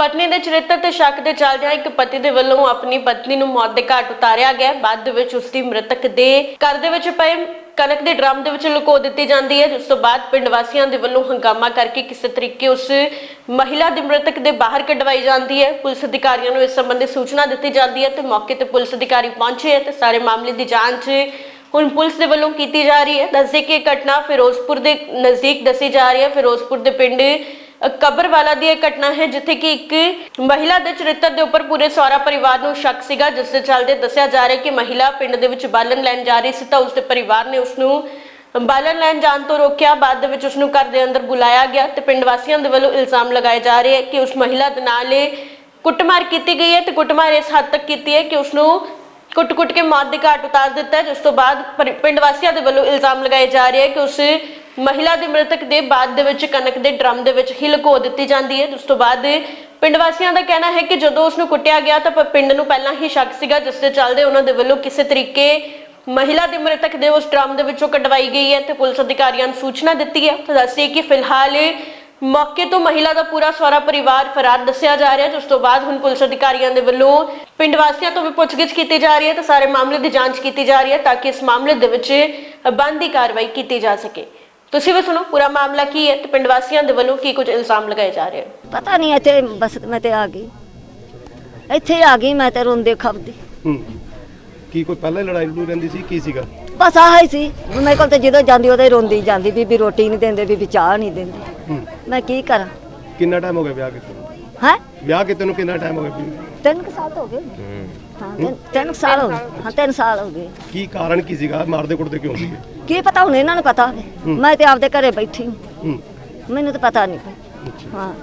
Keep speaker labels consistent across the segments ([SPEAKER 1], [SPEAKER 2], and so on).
[SPEAKER 1] पत्नी के चरित्र ते शक के चलदियां एक पति के वल्लों अपनी पत्नी नूं मौत के घाट उतारिया गया। बाद दे विच उसकी मृतक दे घर दे विच पए कनक के ड्रम दे विच लुको दित्ती जाती है, जिस तो बाद पिंड वासियों के वल्लों हंगामा करके किसी तरीके उस महिला की मृतक दे बाहर कढवाई जाती है। पुलिस अधिकारियों को इस संबंधी सूचना दी जाती है तो मौके पर पुलिस अधिकारी पहुंचे है तो सारे मामले की जांच हुण पुलिस के वल्लों की जा रही है। दस दें कि घटना फिरोजपुर के नज़दीक दसी जा रही है। फिरोजपुर के पिंड कबरवाला दी घटना है जिथे कि एक महिला के चरित्र के उपर पूरे सौरा परिवार को शक सीगा, जिस दे चलदे दस्सिया जा रहा है कि महिला पिंड दे विच बालन लैन जा रही सी तां उसके परिवार ने उसनूं बालन लैन जाण तो रोकिया। बाद दे विच उसनूं घर दे अंदर बुलाया गया तो पिंड वासियों दे वल्लों इल्जाम लगाए जा रहे हैं कि उस महिला दे नाल कुटमार की गई है तो कुटमार इस हद तक की है कि उसनूं कुट-कुट के मौत के घाट उतार दिता है। जिस तो बाद पिंड वासियों के वल्लों इल्जाम लगाए जा रहे हैं कि उस महिला की मृतक दे बाद दे विच कनक के ड्रम दे विच ही लुको दित्ती जाती है। उस तो बाद पिंड वासियों का कहना है कि जदों उसनूं कुटिया गया तो पिंड नूं पहलां ही शक सीगा, जिस दे चलदे उन्हां दे वल्लों किसी तरीके महिला की मृतक दे उस ड्रम दे विचों कढवाई गई है तो पुलिस अधिकारियों ने सूचना दी है। तो दस्सिए कि फिलहाल मौके तो महिला का पूरा सौरा परिवार फरार दस्सिया जा रहा है। जिस तो बाद हुण पुलिस अधिकारियों के वल्लों पिंड वासियों तो भी पुछगिछ की जा रही है तो सारे मामले की जांच की जा रही है ताकि इस मामले दे विच बनदी कार्रवाई की जा सके। तुसीं भी सुनो पूरा मामला की है तो पिंड वासियों के वल्लों की कुछ इल्जाम लगाए जा रहे हैं।
[SPEAKER 2] पता नहीं इत्थे बस मैं ते आ गई, इत्थे आ गई मैं ते रोंदे खपदी।
[SPEAKER 3] की कोई पहले लड़ाई लड़ू रहिंदी सी की सीगा?
[SPEAKER 2] बस आह ही सी मेरे कोल ते जदों जांदी उदों रोंदी जांदी बीबी रोटी नहीं देंदे बीबी चाह नहीं देंदे। मैं की करा?
[SPEAKER 3] कितना टाइम हो गया ब्याह कीते?
[SPEAKER 2] हैं
[SPEAKER 3] ब्याह कीते नूं कितना टाइम हो गया?
[SPEAKER 2] 3 साल हो गए। हाँ 3 साल हो गए। हाँ 3 साल हो गए।
[SPEAKER 3] की कारण की सीगा? मारदे कुटदे क्यों सीगे?
[SPEAKER 2] की पता हुण इन्हां नूं पता होवे, मैं ते आपदे घरे बैठी हूं, मैनूं तो पता नहीं। हाँ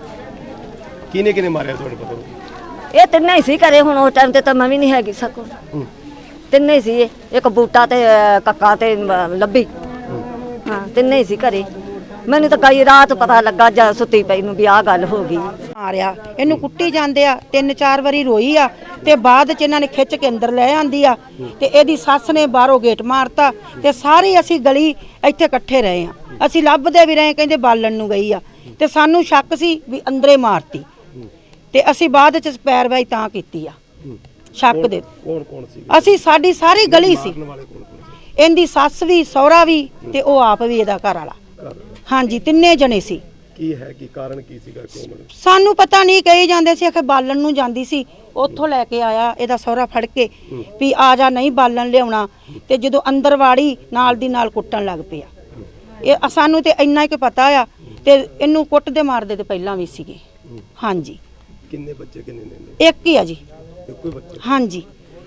[SPEAKER 3] किने मारिया तुहानूं पता?
[SPEAKER 2] ये तिन्ने ही सी घरे, हुण उस टाइम ते तां मैं भी नहीं हैगी सको। तिन्ने ही सी, एक बूटा ते कक्का ते लब्बी। हाँ तिन्ने ही सी घरे। मैनूं तो कई रात पता लगा जद सुत्ती पई नूं भी आह गल हो गई।
[SPEAKER 4] मारिया इनू कुट्टी जांदे आ, 3-4 वारी रोई आ ते बाद च इन्हां ने खिच के अंदर ले आंदी आ ते इहदी सੱਸ ने बाहरों गेट मारता ते सारी असी गली इत्थे इकट्ठे रहे आ। असी लभदे भी रहे, कहंदे बालण नूं गई आ ते सानू शक सी भी अंदरे मारती ते असी बाद च पैरवाई तां कीती आ। शक दे
[SPEAKER 3] कौन सी?
[SPEAKER 4] असी साडी सारी गली सी, इहदी सੱਸ भी सौहरा भी ते ओ आप भी इहदा घर वाला। हाँ जी तिन्ने जने सी।
[SPEAKER 3] की है की कारण की सीगा? क्यों
[SPEAKER 4] सानू पता नहीं, कही जांदे सी आखे बालन नूं जांदी सी, उत्थों लैके आया इहदा सौहरा फड़ के भी आ जा नहीं बालन लियाउणा ते जदों अंदर वाड़ी नाल दी नाल कुੱਟਣ लग पिया। ਇਹ सानू ते इन्ना ही पता आ ते इन्नू कुੱਟਦੇ मारदे ते पहलां भी सीगे। हाँ जी
[SPEAKER 3] किन्ने बच्चे किन्ने ने?
[SPEAKER 4] एक ही आ जी।
[SPEAKER 3] एक ही बच्चा?
[SPEAKER 4] हाँ जी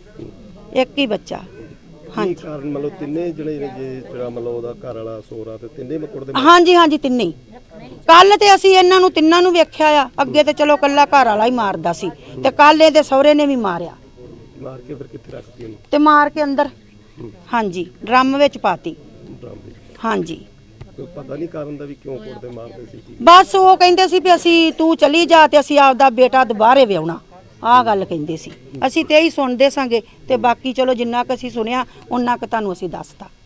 [SPEAKER 4] एक ही बच्चा। हाँ जी
[SPEAKER 3] कारण मतलब तिन्ने जने जे जेड़ा मतलब ओदा घर वाला सोहरा ते तिन्ने मकुड़दे?
[SPEAKER 4] हाँ जी तिन्ने ही। कल ते असी इन्हां नूं तिन्नां नूं वेख्या आ, अगे ते चलो कल्ला घर वाला ही मारदा सी ते कल इहदे सहुरे ने भी मारिया।
[SPEAKER 3] मार के फिर कित्थे रखती ओनू?
[SPEAKER 4] ते मार के अंदर हाँ जी ड्रम विच पाती।
[SPEAKER 3] ड्रम विच?
[SPEAKER 4] हाँ जी
[SPEAKER 3] कोई पता नहीं कारण दा भी क्यों कुटदे मारदे सी?
[SPEAKER 4] बस वो कहंदे सी भी असी तू चली जा ते असी आपदा बेटा दुबारे विआउणा, आह गल कहंदे सी। असी ते ही सुणदे सांगे ते बाकी चलो जिन्ना क असी सुनिया उन्ना क तुहानूं असी दसता।